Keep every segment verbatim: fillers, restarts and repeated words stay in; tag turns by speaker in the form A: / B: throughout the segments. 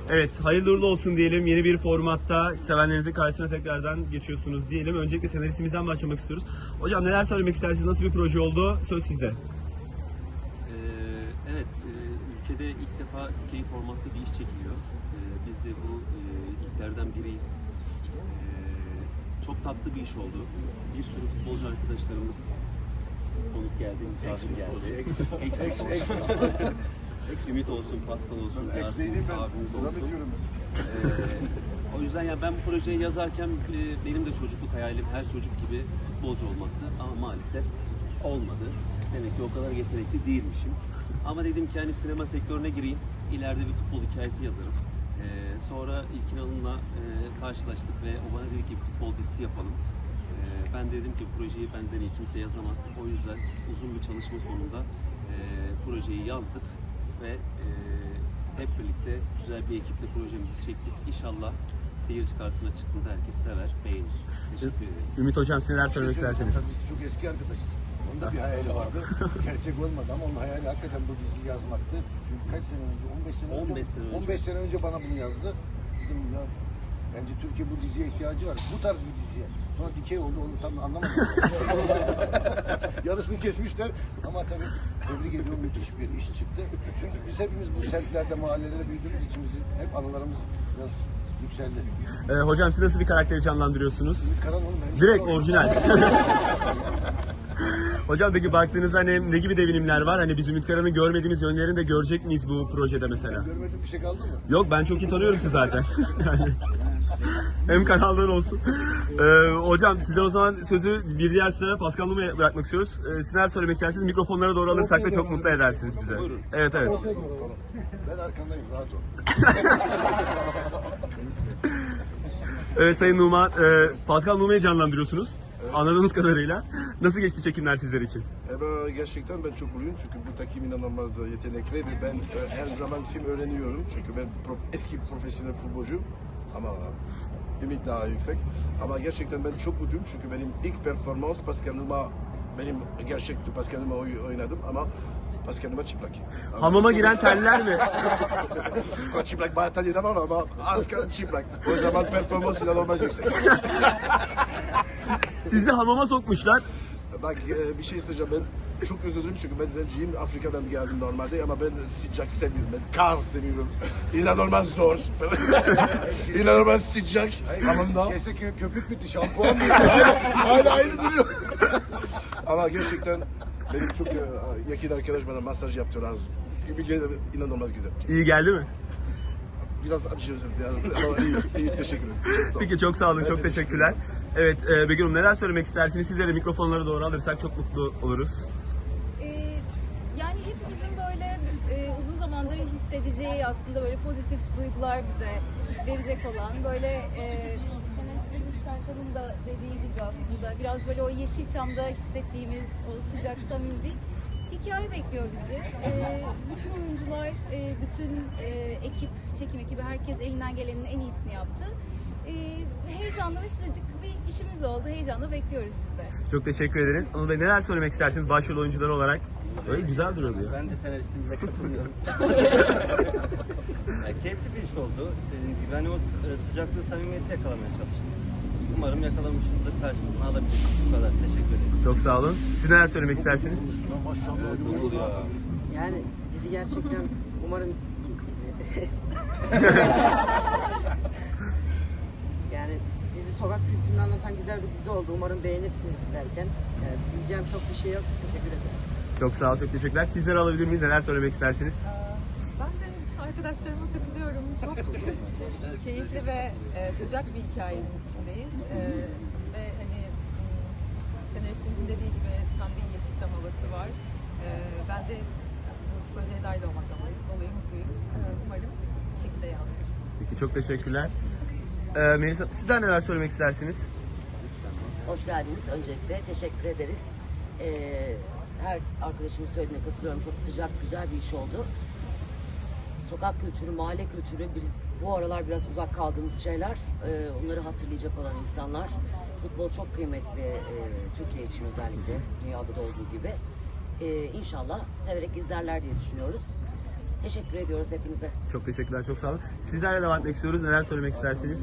A: Evet, hayırlı uğurlu olsun diyelim. Yeni bir formatta sevenlerinizin karşısına tekrardan geçiyorsunuz diyelim. Öncelikle senaristimizden başlamak istiyoruz. Hocam neler söylemek istersiniz? Nasıl bir proje oldu? Söz sizde.
B: Ee, evet, e, ülkede ilk defa dikey formatta bir iş çekiliyor. Ee, biz de bu e, ilklerden biriyiz. Ee, çok tatlı bir iş oldu. Bir sürü futbolcu arkadaşlarımız konuk geldi, misafir geldi. Eksik olsun. Ümit olsun, Pascal olsun, Yasin abimiz olsun. Ee, o yüzden yani ben bu projeyi yazarken e, benim de çocukluk hayalim her çocuk gibi futbolcu olmaktı ama maalesef olmadı. Demek ki o kadar yetenekli değilmişim. Ama dedim ki hani sinema sektörüne gireyim, ileride bir futbol hikayesi yazarım. Ee, sonra İlkin Alın'la e, karşılaştık ve o bana dedi ki futbol dizisi yapalım. Ee, ben dedim ki projeyi benden iyi kimse yazamaz. O yüzden uzun bir çalışma sonunda e, projeyi yazdık ve e, hep birlikte güzel bir ekiple projemizi çektik. İnşallah seyirci karşısına çıktığında herkes sever, beğenir. Teşekkür ederim.
A: Ümit Hocam siz neler söylemek istersiniz?
C: Biz çok eski arkadaşız. Onun da bir hayali vardı. Gerçek olmadı ama onun hayali hakikaten bu diziyi yazmaktı. Çünkü kaç sene önce? on beş sene
B: on beş
C: önce.
B: sene önce.
C: on beş sene önce bana bunu yazdı. Dedim ya bence Türkiye bu diziye ihtiyacı var. Bu tarz bir diziye. Sonra dikey oldu onu tam anlamadım. Yarısını kesmişler ama tabii tebrik ediyorum müthiş bir iş çıktı. Çünkü biz hepimiz bu semtlerde, mahallelere büyüdüğümüz için bizim hep anılarımız biraz yükseldi.
A: Ee, hocam siz nasıl bir karakteri canlandırıyorsunuz?
C: Ümit Karan oğlum benim.
A: Direkt orijinal. Hocam peki baktığınızda hani ne gibi devinimler var? Hani biz Ümit Karan'ın görmediğimiz yönlerini de görecek miyiz bu projede mesela?
C: Görmediğim bir şey kaldı mı?
A: Yok ben çok iyi tanıyorum sizi zaten. Yani hem kanallar olsun. Ee, hocam sizden o zaman sözü bir diğer sizlere Pascal Numa'ya bırakmak istiyoruz. Ee, siz neler söylemek istersiniz? Mikrofonlara doğru alırsak da çok mutlu edersiniz bize.
B: Buyurun.
A: Evet evet.
C: Ben arkandayım, rahat ol.
A: Evet Sayın Numa, e, Pascal Numa'yı canlandırıyorsunuz. Anladığımız kadarıyla. Nasıl geçti çekimler sizler için?
D: E ben, gerçekten ben çok mutluyum çünkü bu takım inanılmaz yetenekli ve ben e, her zaman film öğreniyorum çünkü ben prof, eski profesyonel futbolcuyum ama ümit daha yüksek. Ama gerçekten ben çok mutluyum çünkü benim ilk performans Pascal Numa, benim gerçekten Pascal Numa oy- oynadım ama Pascal Numa çıplak. Ama-
A: Hamama giren teller mi?
D: çıplak bayağı tanıdım ama asken çıplak. O zaman performans inanılmaz yüksek.
A: Sizi hamama sokmuşlar.
D: Bak e, bir şey söyleyeceğim ben çok özür dilerim çünkü ben zenciyim Afrika'dan geldim normalde ama ben sıcak seviyorum ben kar seviyorum inanılmaz zor inanılmaz sıcak hamamda
C: Kese kö köpük bitti, şampuan bitti.
D: hala, hala aynı duruyor ama gerçekten benim çok e, yakın arkadaş bana masaj yaptılar inanılmaz güzel
A: İyi geldi mi?
D: biraz acı özür dilerim ama iyi, iyi teşekkür ederim. Çok sağ olun.
A: Peki çok sağ olun,
D: Ben
A: çok
D: de
A: teşekkürler. Evet e, Begüm Hanım neler söylemek istersiniz? Sizlere mikrofonları doğru alırsak çok mutlu oluruz.
E: Ee, yani hepimizin böyle e, uzun zamandır hissedeceği aslında böyle pozitif duygular bize verecek olan böyle e, senaristlerimiz Serkan'ın da dediği gibi aslında biraz böyle o Yeşilçam'da hissettiğimiz o sıcak samimi bir hikaye bekliyor bizi. Ee, bütün oyuncular, e, bütün e, ekip, çekim ekibi herkes elinden gelenin en iyisini yaptı. Ee, heyecanlı ve sıcacık bir işimiz oldu. Heyecanla bekliyoruz biz de.
A: Çok teşekkür ederiz. Anıl Bey neler söylemek istersiniz başrol oyuncuları olarak? Öyle güzel duruyordu ya.
F: Ben de senaristimize katılıyorum. Yani keyifli bir iş oldu. Dediğim gibi ben o sı- sıcaklığı, samimiyeti yakalamaya çalıştım. Umarım yakalamışızdır, karşılığını alabiliriz. Bu kadar. Teşekkür ederiz.
A: Çok sağ olun. Siz neler söylemek istersiniz?
B: Olur ya.
G: Yani dizi gerçekten umarım yani dizi sokak kültürünü anlatan güzel bir dizi oldu. Umarım beğenirsiniz izlerken. Yani diyeceğim çok bir şey yok. Teşekkür ederim.
A: Çok sağ olun, çok teşekkürler. Sizleri alabilir miyiz? Neler söylemek istersiniz?
H: Ben de arkadaşlarıma katılıyorum. Çok keyifli ve e, sıcak bir hikayenin içindeyiz. E, ve hani m, senaristimizin dediği gibi tam bir Yeşilçam havası var. E, ben de bu projeye dahil olmaktan dolayı mutluyum. E, umarım bu şekilde yansır.
A: Peki çok teşekkürler. Ee, Melisa sizler neler söylemek istersiniz?
I: Hoş geldiniz öncelikle. Teşekkür ederiz. Ee, her arkadaşımın söylediğine katılıyorum. Çok sıcak, güzel bir iş oldu. Sokak kültürü, mahalle kültürü, biz bu aralar biraz uzak kaldığımız şeyler. Ee, onları hatırlayacak olan insanlar. Futbol çok kıymetli e, Türkiye için özellikle. Dünyada da olduğu gibi. Ee, inşallah severek izlerler diye düşünüyoruz. Teşekkür ediyoruz hepinize.
A: Çok teşekkürler, çok sağ olun. Sizlerle devam etmek istiyoruz. Neler söylemek istersiniz?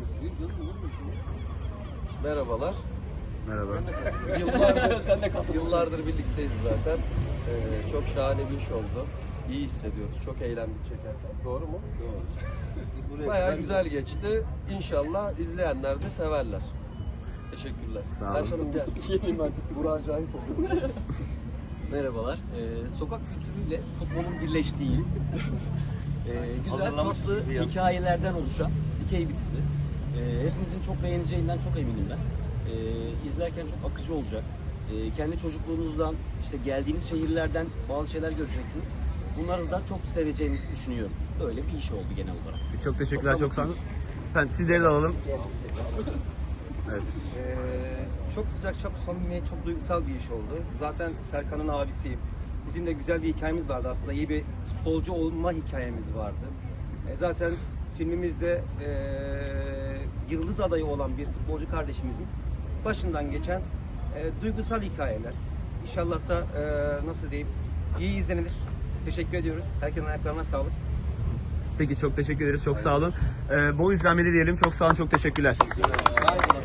J: Merhabalar.
A: Merhaba.
J: Yıllardır, yıllardır birlikteyiz zaten. Ee, çok şahane bir iş oldu. İyi hissediyoruz. Çok eğlendik çekerken. Doğru mu? Doğru. Bayağı güzel geçti. İnşallah izleyenler de severler. Teşekkürler.
A: Sağ olun.
J: Ayşe Hanım gel.
D: Geleyim ben. Burak acayip oldu.
K: Merhabalar. Ee, sokak kültürüyle futbolun birleştiği, e, güzel tatlı hikayelerden oluşan dikey bir dizi. Ee, hepinizin çok beğeneceğinden çok eminim ben. Ee, izlerken çok akıcı olacak. Ee, kendi çocukluğunuzdan, işte geldiğiniz şehirlerden bazı şeyler göreceksiniz. Bunları da çok seveceğinizi düşünüyorum. Böyle bir iş oldu genel olarak.
A: Çok teşekkürler, çok sağ olun. Efendim sizleri de alalım. Evet.
F: Ee, çok sıcak, çok samimi, çok duygusal bir iş oldu. Zaten Serkan'ın abisiyim. Bizim de güzel bir hikayemiz vardı aslında. İyi bir futbolcu olma hikayemiz vardı. Ee, zaten filmimizde ee, yıldız adayı olan bir futbolcu kardeşimizin başından geçen ee, duygusal hikayeler. İnşallah da ee, nasıl diyeyim, iyi izlenilir. Teşekkür ediyoruz. Herkesin ayaklarına sağlık.
A: Peki çok teşekkür ederiz, çok sağ olun. Ee, bol izlenmeli diyelim. Çok sağ olun, çok teşekkürler.